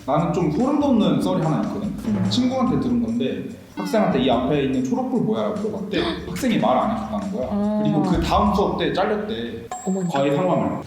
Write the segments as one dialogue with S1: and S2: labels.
S1: 나는 좀 소름 돋는 썰이 하나 있거든. 친구한테 들은 건데 학생한테 이 앞에 있는 초록불 뭐야 물어봤대. 학생이 말 안 해줬다는 거야. 그리고 그 다음 수업 때 잘렸대. 과외 상황을.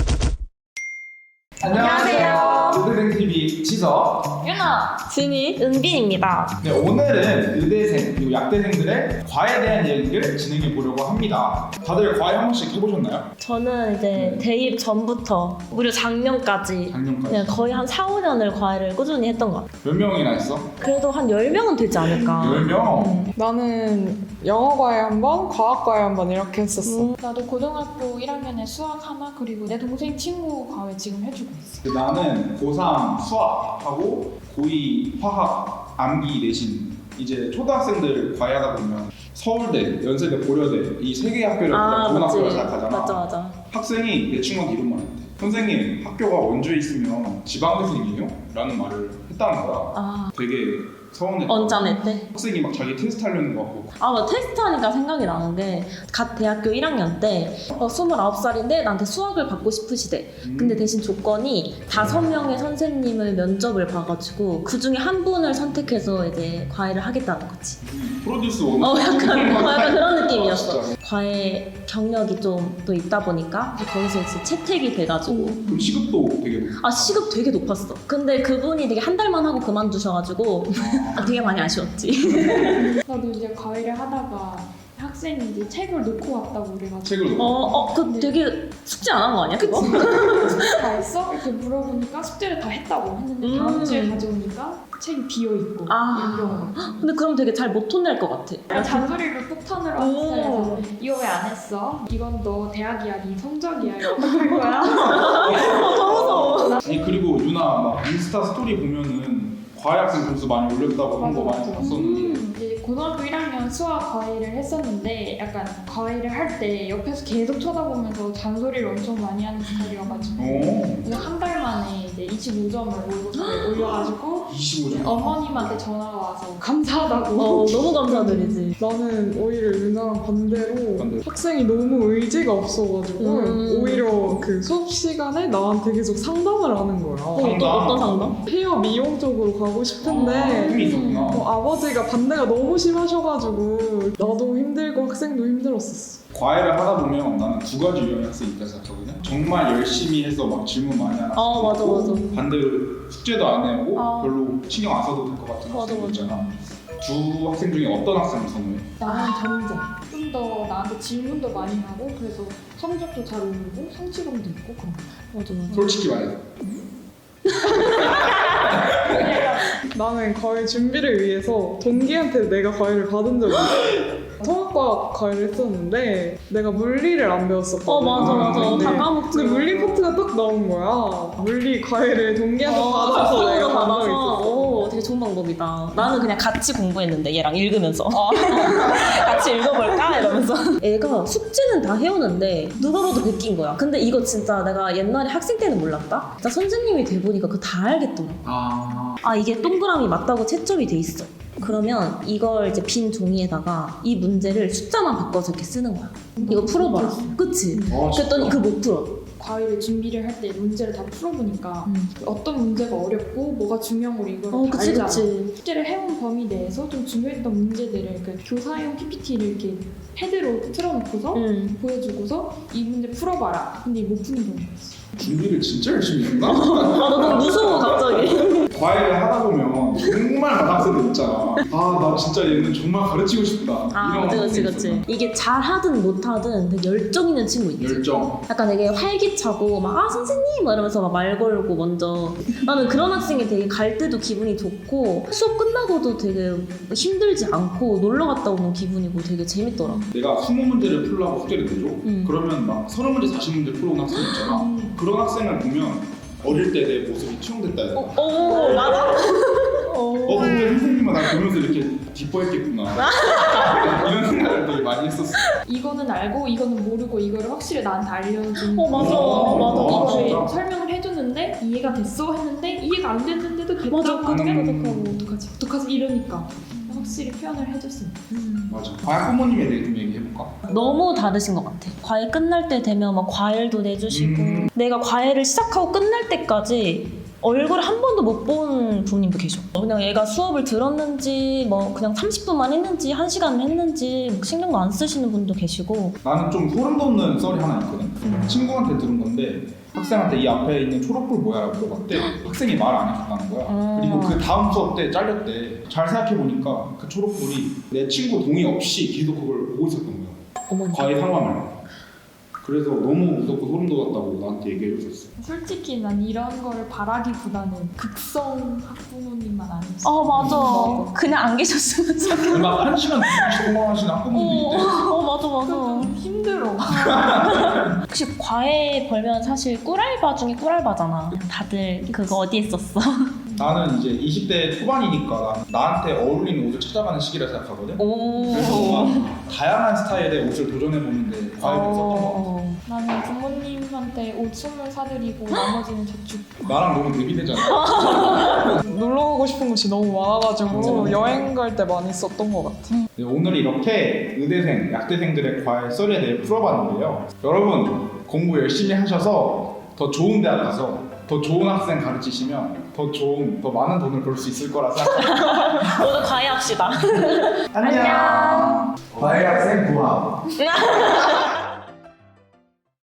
S2: 안녕하세요.
S1: 의대생TV 지석,
S2: 유나,
S3: 진이, 은빈입니다.
S1: 네, 오늘은 의대생 그리고 약대생들의 과에 대한 얘기를 진행해 보려고 합니다. 다들 과외 한 번씩 해보셨나요?
S3: 저는 이제 대입 전부터 무려 작년까지
S1: 작년까지
S3: 그냥 거의 한 4, 5년을 과외를 꾸준히 했던 것 같아요.
S1: 몇 명이나 했어?
S3: 그래도 한 10명은 되지 않을까.
S1: 10명?
S2: 나는 영어과외 한 번, 과학과외 한 번 이렇게 했었어.
S4: 나도 고등학교 1학년에 수학 하나 그리고 내 동생 친구 과외 지금 해주고 있어.
S1: 나는 고3 수학하고 고2 화학, 암기 내신. 이제 초등학생들 과외하다 보면 서울대, 연세대, 고려대 이 세 개의 학교를 고등학교로 시작하잖아.
S3: 맞아. 학생이
S1: 내 친구한테 이런 말 했대. 선생님, 학교가 원주에 있으면 지방대생이에요? 라는 말을 했다는 거야. 되게 서운했다.
S3: 언짢았대.
S1: 학생이 막 자기 테스트 하려는 거 같고.
S3: 뭐 테스트 하니까 생각이 나는 게 갓 대학교 1학년 때 29살인데 나한테 수학을 받고 싶으시대. 근데 대신 조건이 5명의 선생님을 면접을 봐가지고 그 중에 한 분을 선택해서 이제 과외를 하겠다는 거지.
S1: 프로듀스 원.
S3: 약간 그런 느낌이었어.
S1: 진짜.
S3: 과외 경력이 좀 또 있다 보니까 거기서 이제 채택이 돼가지고
S1: 그럼 시급도 되게 높고.
S3: 시급 되게 높았어. 근데 그분이 되게 한 달만 하고 그만두셔가지고 되게 많이 아쉬웠지.
S4: 나도 이제 과외를 하다가 학생이 이제 책을 놓고 왔다고 그래가지고
S1: 책을 놓고.
S3: 그 되게 숙제 안 한 거 아니야? 그거?
S4: 다 했어? 이렇게 물어보니까 숙제를 다 했다고 했는데 다음 주에 가져오니까 책이 비어있고 이런 경우가.
S3: 근데 그럼 되게 잘 못 혼낼 것 같아.
S4: 잔소리를 폭탄으로 하는 스타일에서 이거 왜 안 했어? 이건 너 대학이야, 네 성적이야 이렇게 할 거야?
S3: 너무 무서워.
S1: 아니 그리고 유나 막 인스타 스토리 보면은 과외 학생 점수 많이 올렸다고 한 거 많이 봤었는데.
S4: 이제 고등학교 1학년 수학 과외를 했었는데 약간 과외를 할 때 옆에서 계속 쳐다보면서 잔소리를 엄청 많이 하는 스타일이어가지고 그래서 한 달 만에 이제 25점을 올려가지고
S1: 25점.
S4: 어머님한테 전화가 와서 감사하다고.
S3: 너무 감사드리지.
S2: 나는 오히려 유나랑 반대로
S1: 반대로?
S2: 학생이 너무 의지가 없어가지고 오히려 그 수업 시간에 나한테 계속 상담을 하는 거야.
S3: 어떤 상담?
S2: 헤어 미용 쪽으로 가고 싶은데
S1: 힘이 있었구나.
S2: 아버지가 반대가 너무 심하셔가지고 나도 힘들고 학생도 힘들었었어.
S1: 과외를 하다 보면 나는 두 가지 유형의 학생이 있다 생각하거든. 정말 열심히 해서 막 질문 많이 하는 학생.
S3: 맞아.
S1: 반대로 숙제도 안 해오고 별로 신경 안 써도 될 것 같은 학생 있잖아. 두 학생 중에 어떤 학생을 선호해?
S4: 나는 전자. 좀 더 나한테 질문도 많이 하고 그래서 성적도 잘 오르고 성취감도 있고 그런 거.
S3: 맞아.
S1: 솔직히 말해서.
S2: 나는 과외 준비를 위해서 동기한테 내가 과외를 받은 적이 있어. 통합과학 과외를 했었는데 내가 물리를 안 배웠었거든.
S3: 맞아.
S2: 근데,
S3: 다 까먹지.
S2: 근데 물리 파트가 딱 나온 거야. 물리 과외를 동기한테 받아서 내가 받은 적이 있었어.
S3: 되게 좋은 방법이다. 나는 그냥 같이 공부했는데 얘랑 읽으면서 같이 읽어볼까 이러면서. 애가 숙제는 다 해오는데 누가 봐도 베낀 거야. 근데 이거 진짜 내가 옛날에 학생 때는 몰랐다. 진짜 선생님이 돼보니까 그거 다 알겠더라고. 이게 동그라미 맞다고 채점이 돼 있어. 그러면 이걸 이제 빈 종이에다가 이 문제를 숫자만 바꿔서 이렇게 쓰는 거야. 이거 풀어봐라. 그치? 그랬더니 그거 못 풀어.
S4: 과외를 준비를 할 때 문제를 다 풀어보니까 어떤 문제가 어렵고 뭐가 중요한 걸 이걸 다 알잖아.
S3: 그치.
S4: 숙제를 해온 범위 내에서 좀 중요했던 문제들을 그 교사용 PPT를 이렇게 패드로 틀어놓고서 보여주고서 이 문제 풀어봐라. 근데 못 푸는 경우가 있어.
S1: 준비를 진짜 열심히 했나?
S3: 나 너무 무서워 갑자기.
S1: 과외를 하다 보면 정말 많은 학생들 있잖아. 나 진짜 얘는 정말 가르치고 싶다. 이런 학생이
S3: 그치. 이게 잘하든 못하든 되게 열정 있는 친구 있지.
S1: 열정.
S3: 약간 되게 활기차고 막 선생님 막 이러면서 막 말 걸고 먼저. 나는 그런 학생이 되게 갈 때도 기분이 좋고 수업 끝나고도 되게 힘들지 않고 놀러 갔다 오는 기분이고 되게 재밌더라.
S1: 내가 20문제를 풀라고 숙제를 내줘? 그러면 막 30문제, 40문제 풀어온 학생 있잖아. 그런 학생을 보면 어릴 때 내 모습이 투영됐다 해야 되나?
S3: 맞아.
S1: 그때 선생님은 나 보면서 이렇게 기뻐했겠구나. 이런 생각을 되게 많이 했었어.
S4: 이거는 알고 이거는 모르고 이거를 확실히 나한테 알려준
S3: 맞아.
S4: 이거를
S1: 진짜?
S4: 설명을 해줬는데 이해가 됐어 했는데 이해가 안 됐는데도 됐다고
S3: 맞아.
S4: 하면 어떡하지 이러니까 확실히 표현을 해줬습니다.
S1: 맞아. 과외 부모님에 대해 좀 얘기해볼까?
S3: 너무 다르신 것 같아. 과외 끝날 때 되면 막 과일도 내주시고 내가 과외를 시작하고 끝날 때까지 얼굴 한 번도 못 본 교수님도 계셔. 그냥 얘가 수업을 들었는지 뭐 그냥 30분만 했는지 1시간 했는지 뭐 신경도 안 쓰시는 분도 계시고.
S1: 나는 좀 소름 돋는 썰이 하나 있거든. 친구한테 들은 건데 학생한테 이 앞에 있는 초록불 뭐야 라고 물어봤대. 학생이 말 안 해줬다는 거야. 그리고 그 다음 수업 때 잘렸대. 잘 생각해보니까 그 초록불이 내 친구 동의 없이 계속 그걸 보고 있었던 거야.
S3: 어머니.
S1: 과외 상황을. 그래서 너무 무섭고 소름 돋았다고 나한테 얘기해줬었어.
S4: 솔직히 난 이런 거를 바라기보다는 극성 학부모님만 아니었어.
S3: 맞아. 그냥 안 계셨으면 좋겠어.
S1: 막 1시간 동안 하시는 학부모님이 있대.
S3: 맞아.
S4: 좀 힘들어.
S3: 혹시 과외 벌면 사실 꿀알바 중에 꿀알바잖아. 다들 그거 어디에 썼어?
S1: 나는 이제 20대 초반이니까 나한테 어울리는 옷을 찾아가는 시기라 생각하거든. 그래서 뭔가 다양한 스타일의 옷을 도전해보는데 과외를 썼던 것 같아.
S4: 나는 부모님한테 옷 선물 사드리고 나머지는 저축.
S1: 나랑 너무 대비되잖아.
S2: 놀러 가고 싶은 곳이 너무 많아가지고 여행 갈 때 많이 썼던 것 같아.
S1: 네, 오늘 이렇게 의대생, 약대생들의 과외 썰에 대해 풀어봤는데요. 여러분 공부 열심히 하셔서 더 좋은 대학 가서 더 좋은 학생 가르치시면 더 많은 돈을 벌 수 있을 거라 생각합니다.
S3: 모두 과외합시다.
S1: 안녕. 과외 학생 부합.